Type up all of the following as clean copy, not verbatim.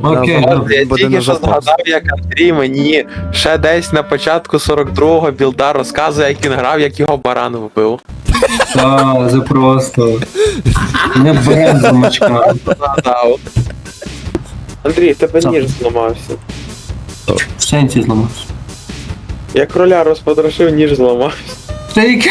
Окей, От я буде тільки на що запас. згадав, як Андрій мені ще десь на початку 42-го білда розказує, як він грав, як його баран вбив. так, це просто. Не берем замочка. Згадав. Андрій, в тебе Що? ніж зламався. В сенсі зламався. Я кроля розпотрошив, ніж зламався. Тейк.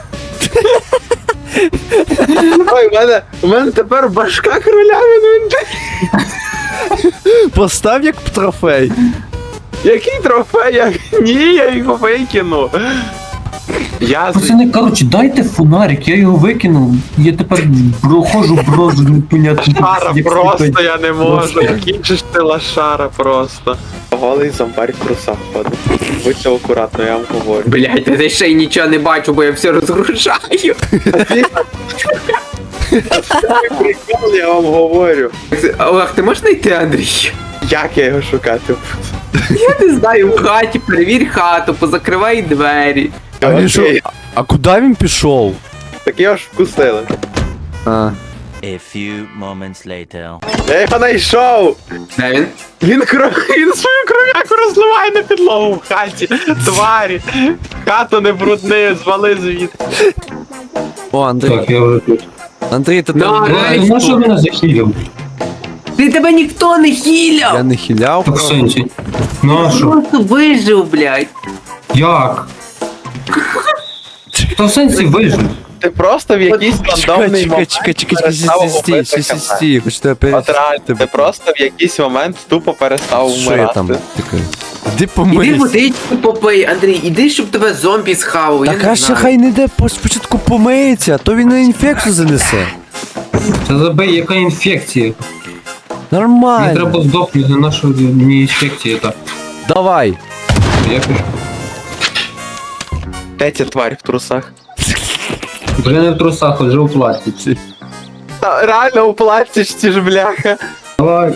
Ой, в мене тепер башка кроля він. Постав як трофей. Який трофей? Ні, я його викину. Я Пацани, коротше, дайте фонарик, я його викинув. Я тепер проходжу брозу непонятно. Шара як просто сліпий. я не можу. Який же ж ти лошара просто. Голий зомбарь в трусах ходить. Будьте акуратно, я вам говорю. Блять, я ще й нічого не бачу, бо я все розгружаю. Прикол, я вам говорю. Олег, ти можеш знайти Андрій? Як я його шукати буду? Я не знаю, в хаті, перевір хату, позакривай двері. А він Окей. що? А куди він пішов? Так його ж вкусили. А. A few moments later. Я його знайшов! Де він? Він свою кров'яку розливає на підлогу в хаті. Тварі. Хату не брудни, звали звідси. О, Андрій. Так, я вже тут. Андрій, ти Да, там. реально. Ну що мене захилив? Тебе ніхто не хіляв! Я не хиляв. Так в сенсі. Ну а що? Просто вижив, блядь. Як? Та в сенсі вижив. Ти просто в якийсь рандомний момент перестав убити КП. стій, хоч тебе От реально, ти просто в якийсь момент тупо перестав Що я там? вмирати. Таке? Іди Іди помийся. водичку попий, Андрій, іди, щоб тебе зомбі схавав, я Так не а ще знаю. хай не йде спочатку помиється, а то він на інфекцію занесе. Та забей, яка інфекція? Мені Нормально. треба здохнути на нашу не інфекція, так. Давай. Я пишу. Де ця тварь в трусах? Вже не в трусах, вже у пластиці. Та, реально у пластичці ж, бляха. Давай.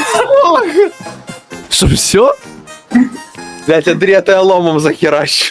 Що, все? Блять, Андрій, я тебе ломом захеращу.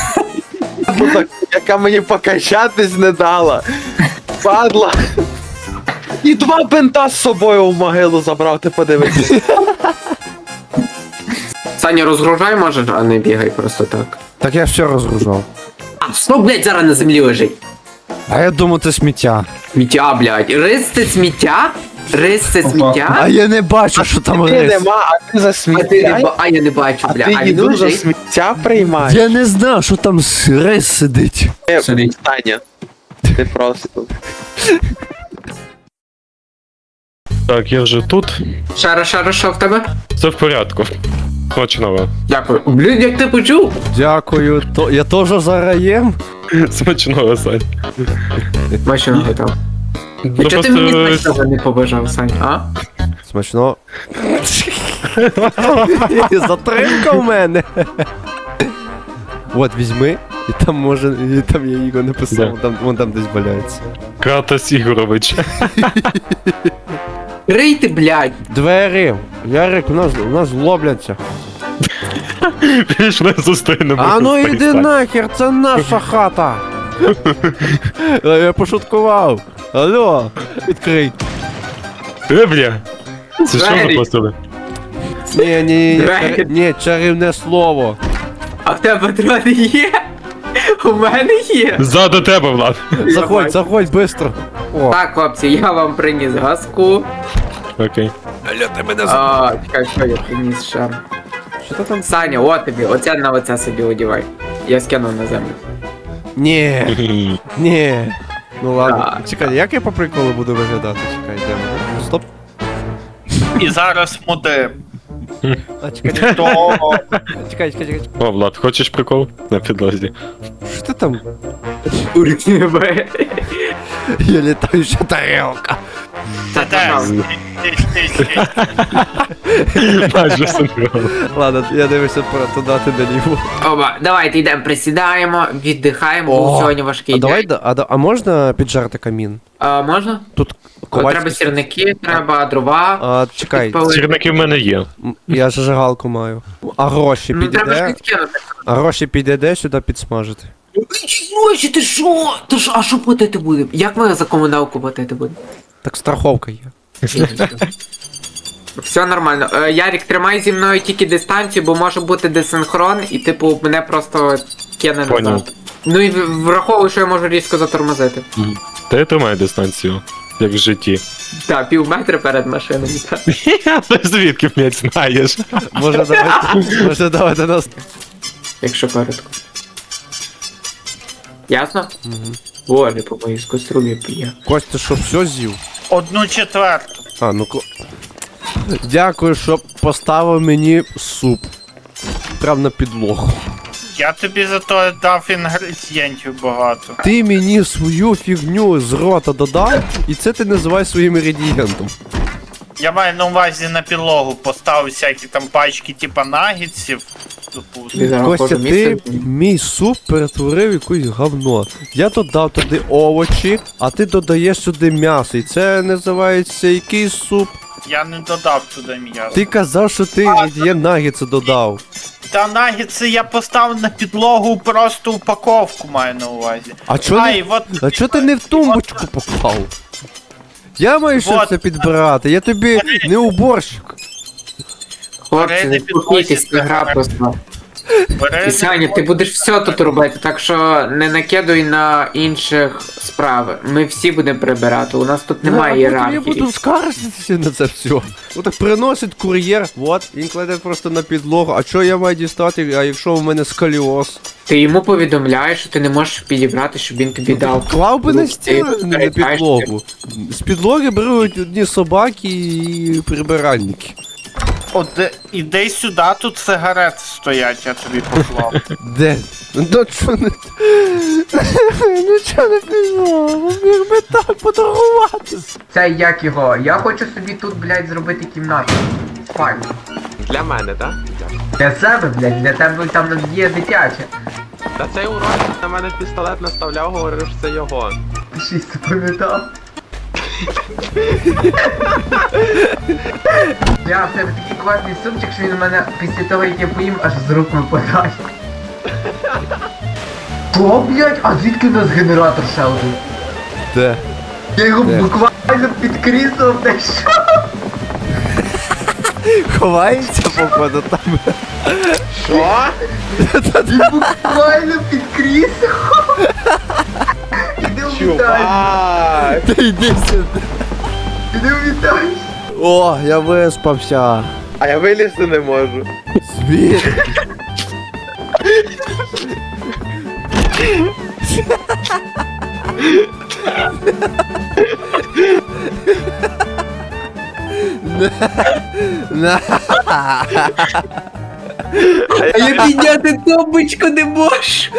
Яка мені покачатись не дала. Падла. І 2 бинта з собою в могилу забрав, ти подивись. Саня, розгружай, може, а не бігай просто так. Так я все розгружав. А, що, блядь, зараз на землі лежить? А я думав, це сміття. Сміття, блядь. Рис це сміття? Рис це А сміття? я не бачу, що там Ти рис. нема, а ти за сміття. А я не бачу, А бля. ти А він їду за лежить? сміття приймаєш. Я не знав, що там рис сидить. Сидить. Таня, ти просто. Так, я вже тут. Шара, що в тебе? Все в порядку. Смачного. Дякую. Блін, як ти почув? Дякую. Я теж зараз їм. Смачного, Сань. Бачу, не готов. І чого ти мені смачного не побажав, Сань, а? Смачно. Затримка в мене. От, візьми. І там може, і там я його написав, вон там десь валяється. Кратос Ігорович. Рийте, блядь. Двері. Ярик, у нас лобляться. Пішли зустрінемо. А ну іди нахер, це наша хата. Я пошуткував. Алло, відкрий. Бля. Це що Двері. запустили? Ні, чарівне слово. А в тебе патрони є? У мене є. Ззаду тебе, Влад. Заходь, быстро. О, Так, хлопці, я вам приніс газку. Окей. Алло, ти мене А, чекай, що я приніс ще? Що ти там? Саня, от тобі, оце на оце собі одівай. Я скинув на землю. Ні. Ну ладно. Так. Чекай, як я по приколу буду виглядати? Чекай, йдемо. Стоп. І зараз модем. А, чекай. То Чекай. О, Влад, хочеш прикол? На підлозі. Що ти там? Уркнебе. Я літаюча тарелка. Та пожалуйста. Майже синхронно. Ладно, я дивлюся туди, ти наліво. Оба, давайте йдемо, присідаємо, віддихаємо, бо О, сьогодні важкий А давай, день. а можна піджарити камін? А, можна? Тут От ковальський- треба сірники, треба дрова. А, чекай, підпалити. Сірники в мене є. я зажигалку маю. А гроші Ну треба ж підійде? підкинути. А гроші підійде сюди підсмажити. Гроші, ти що? Ти що? А що платити будемо? Як ми за комуналку платити будемо? Так страховка є. Все нормально. Ярік, тримай зі мною тільки дистанцію, бо може бути десинхрон, і типу мене просто кине Поняв. назад. Ну і враховуй, що я можу різко затормозити. Та я тримаю дистанцію, як в житті. Так, пів метра перед машиною. Так. Ти звідки, блядь, знаєш? Може давайте нас. Якщо коротко. Ясно? Боже, по моїй скострубі п'є. Кость, ти що, все з'їв? 1/4. А, ну дякую, що поставив мені суп. Прям на підлогу. Я тобі зато дав інгредієнтів багато. Ти мені свою фігню з рота додав, і це ти називаєш своїм інгредієнтом. Я маю на увазі на підлогу поставив всякі там пачки типа нагідсів. Ти зараз Костя, кожне ти місце- мій суп перетворив в якусь говно. Я додав туди овочі, а ти додаєш сюди м'ясо. І це називається який суп? Я не додав туди м'ясо. Ти казав, що ти інгредієнт наггетси додав. Та нагідси я поставив на підлогу просто упаковку маю на увазі. А чо Ай, не, от а чо ти не в тумбочку поклав? Я маю що Вот. це підбирати, я тобі не уборщик. Хлопці, не Перейди спокійтесь, це підносять гра на просто. бери. І Саня, ти будеш все тут робити, так що не накидуй на інших справи. Ми всі будемо прибирати, у нас тут немає А потім я ієрархії. буду скаржитися на це все. Отак приносить кур'єр, от, він кладе просто на підлогу. А що я маю дістати, а якщо у мене сколіоз? Ти йому повідомляєш, що ти не можеш підібрати, щоб він тобі дав. Клав би на Ну, стіну, ти а не на перекачки. підлогу. З підлоги беруть одні собаки і прибиральники. Іди сюди, тут сигарети стоять, я тобі поклав. Де? Ну чо не... Ну чо не пішло? Міг би так поторгуватися. Це як його? Я хочу собі тут, блядь, зробити кімнату. Спальню. Для мене, так? Для себе, блядь, для тебе там є дитяче. Та цей урод на мене пістолет наставляв, говорив, що це його. Ти щось запам'ятав? Я в тебе такий класний сумчик, що він у мене після того, як я поїм, аж з рук випадає. Що, блядь? А звідки у нас генератор ще один? Де? Я його Де? буквально під кріслом знайшов. Ховається, походу, там. Що? Він буквально під кріслом. Іди у вітальню. Чувак! Та йди сюди. Іди у вітальню. О, я виспався. А я вилізти не можу. Звір. На. А я підняти тумбочку не можу.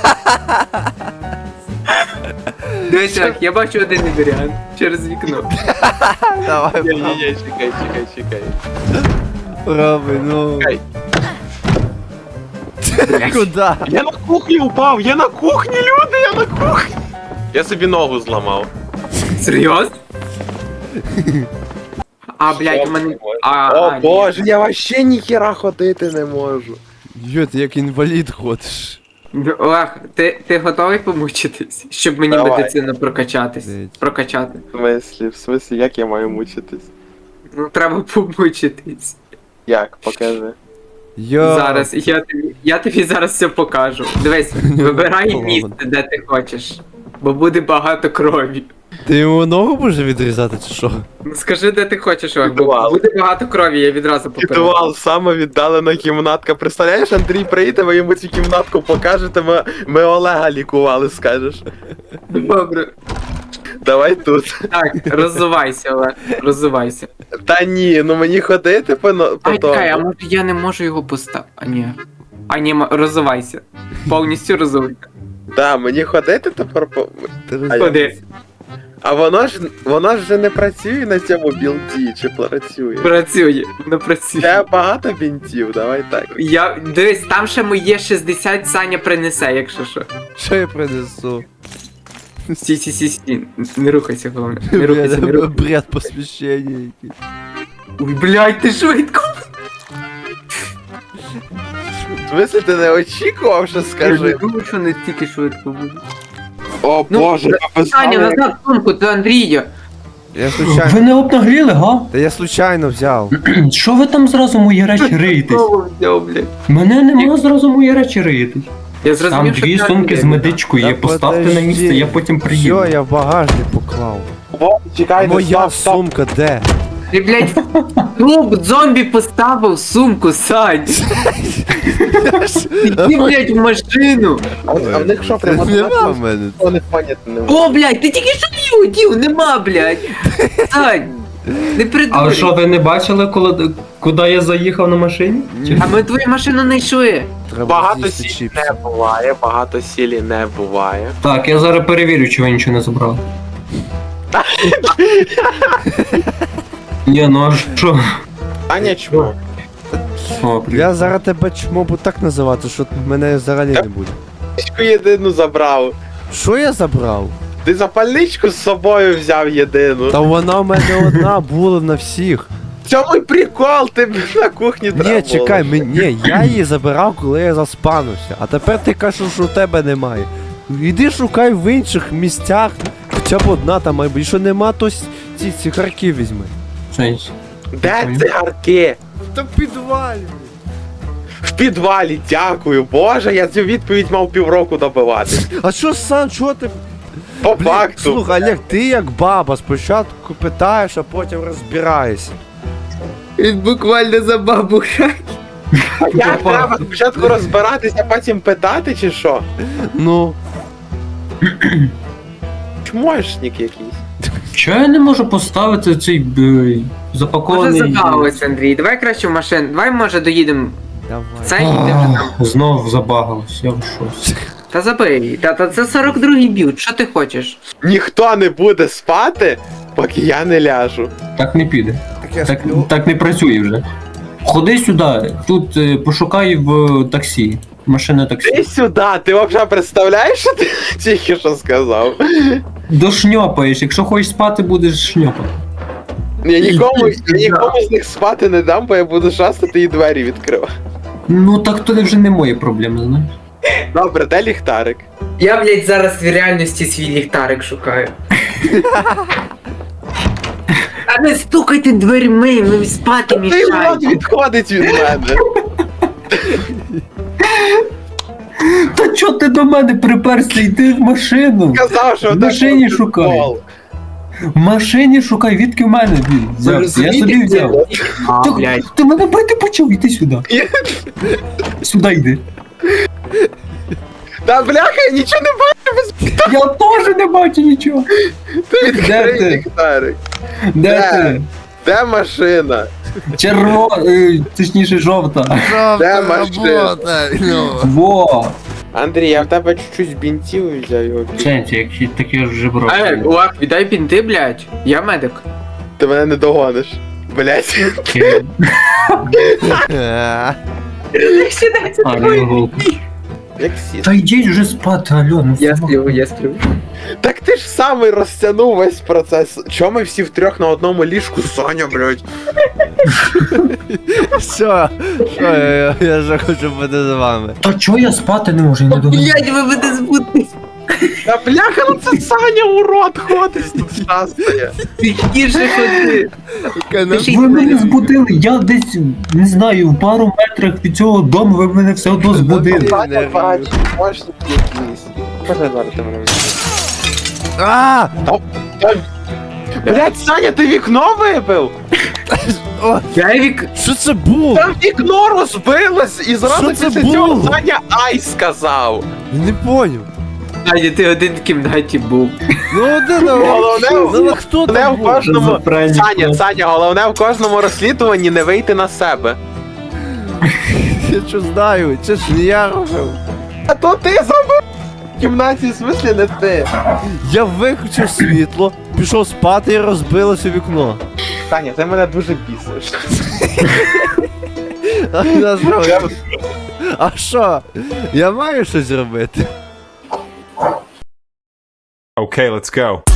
Дивись, так, я бачу один варіант через вікно. Давай, Ні, чекай. роби, ну. Чекай. Куда? Я на кухні упав, я на кухні, люди, я на кухні. Я собі ногу зламав. Серйозно? А, блядь, у мене... О ні. боже, я вообще ніхіра ходити не можу. Йо, ти як інвалід ходиш. Ох, ти готовий помучитись? Щоб мені Давай. медицину прокачатись? Блядь. Прокачати. В смислі, як я маю мучитись? Ну, треба помучитись. Як? Покажи. Йо. Зараз, я тобі зараз все покажу. Дивись, вибирай Поламано. місце, де ти хочеш. Бо буде багато крові. Ти йому ногу будеш відрізати чи що? Ну скажи, де ти хочеш, Ох, бо Підвал. буде багато крові, я відразу попереджу. Підвал, саме віддалена кімнатка. Представляєш, Андрій прийде, ви йому цю кімнатку покажете, ми Олега лікували, скажеш. Добре. Давай тут. Так, роззувайся, Олег, роззувайся. Та ні, ну мені ходити по Ай, чекай, а тому. може я не можу його поставити? А ні, роззувайся. Повністю роззувайся. Так, мені ходити тепер по. Ти А я- Ходи. А воно ж вже не працює на цьому білді, чи працює? Працює, не працює. Ще багато бінтів, давай так. Дивись, там ще моє 60 Саня принесе, якщо що. Що я принесу? Сі, не рухайся, головне. Не рухайся, не рухайся. Бред посвящення якийсь. Ой, блядь, ти швидко. В смислі, ти не очікував, що Я скажи? не думаю, що не стільки швидко буде. О Ну, боже, Саня, назад сумку, до Андрія. Я случайно. Ви не обнагліли, га? Та я случайно взяв. Що ви там зразу мої речі риєтесь? Знову взяв, блядь. Мене нема зразу мої речі риєтесь. Я Там зрозумів, що дві це сумки з не медичкою є, Та поставте на подожди. місце, я потім приїду. Все, я в багажник поклав. О, чекайте, Моя стоп, стоп. сумка де? Ти, блядь, труп зомбі поставив сумку, Сань. Іди, блядь, в машину. А в них що, прямо Нема в мене. у них понятно немає. О, блядь, ти тільки що її одів, нема, блядь. Сань, не А придурюй. що, ви не бачили, куди я заїхав на машині? Чи- А ми твою машину не йшли. Треба Багато з'їсти сілі чіпси. не буває, багато сілі не буває. Так, я зараз перевірю, чи ви нічого не забрали. Ні, ну а що? Аня чмо. О, привіт. Я зараз тебе чмо буду так називати, що мене взагалі не буде. Запальничку єдину забрав. Що я забрав? Ти запальничку з собою взяв єдину. Та вона в мене одна була на всіх. В цьому й прикол, ти б на кухні треба Ні, було чекай, лишити. ні, я її забирав, коли я заспанився. А тепер ти кажеш, що у тебе немає. Іди шукай в інших місцях. Хоча б одна там має бути. Якщо нема, то ці цигарки візьми. Сенс. Де цигарки? Та в підвалі. В підвалі, дякую. Боже, я цю відповідь мав півроку добивати. А що сам, чого ти? По Блін, факту. слухай, Олег, ти як баба, спочатку питаєш, а потім розбираєшся. Він буквально за бабу грає. А як треба спочатку розбиратися, а потім питати, чи що? Ну, Чмошник якийсь. Чого я не можу поставити цей Може запакований... забагалось, Андрій. Давай краще в машину. Давай, може, доїдемо. давай. Це і ти вже там. Знов забагалось, я в шоці. Та забий. Та це 42-й б'ют. Що ти хочеш? Ніхто не буде спати, поки я не ляжу. Так не піде. Так я Так, сплю. так не працює вже. Ходи сюди, тут пошукай в таксі. Машина Ти таксі. сюди, ти взагалі представляєш, що ти тільки що сказав? Дошльопаєш, якщо хочеш спати, будеш шльопати. Я нікому з них спати не дам, бо я буду шастати і двері відкривати. Ну так то вже не мої проблеми, знаєш. Добре, де ліхтарик? Я, блядь, зараз в реальності свій ліхтарик шукаю. А не стукайте дверьми, ми спати Ти мішаємо. от відходить від мене. Та чого ти до мене приперся? Йди в машину. Казав, що В машині так шукай. прикол. В машині шукай, відки в мене він взяв. Я собі взяв. А, Ти, блядь. ти мене бити почав, іди сюди. Сюди йди. Та бляха, я нічого не бачу, Я теж не бачу нічого. ти відкрий ти? ліхтарик. Де Де? ти? Де машина? Точніше жовта. Де машина? Во. Андрій, я в тебе чуть-чуть бінтів взяв його. Сенсі, як таке вже брав. Лак, віддай бінти, блядь. Я медик. Ти мене не догониш. Блять. А, не голку. Як сіт. Та йдіть вже спати, алло, ну Я фу. сплю, я сплю. Так ти ж самий розтягнув весь процес. Чому ми всі втрьох на одному ліжку, Соня, блять? Що? Що, я вже хочу бути з вами. Та чого я спати не можу, я не догадую. Блядь, ви мене збудете. Та бляха, ну це Саня урод ходить тут шастає. Тихіше ходи. Ви мене збудили, я десь, не знаю, в пару метрах від цього дому ви мене все одно збудили. Саня бачить, мощник якийсь. Можна зварити мене? А! Блять, Саня, ти вікно вибив? Я вік... Що це було? Там вікно розбилось і зразу Що це після цього було? Саня ай сказав. Я не поняв. Аня, ти один в кімнаті був. Ну один, Головне, ну хто Головне там в був? кожному. Заправні Саня, клас. Саня, головне в кожному розслідуванні не вийти на себе. Я що знаю, це ж не я робив. А то ти зробив в кімнаті, в смислі не ти. Я виключив світло, пішов спати і розбилося вікно. Саня, ти мене дуже бісиш. А що? Я маю щось робити? Okay, let's go.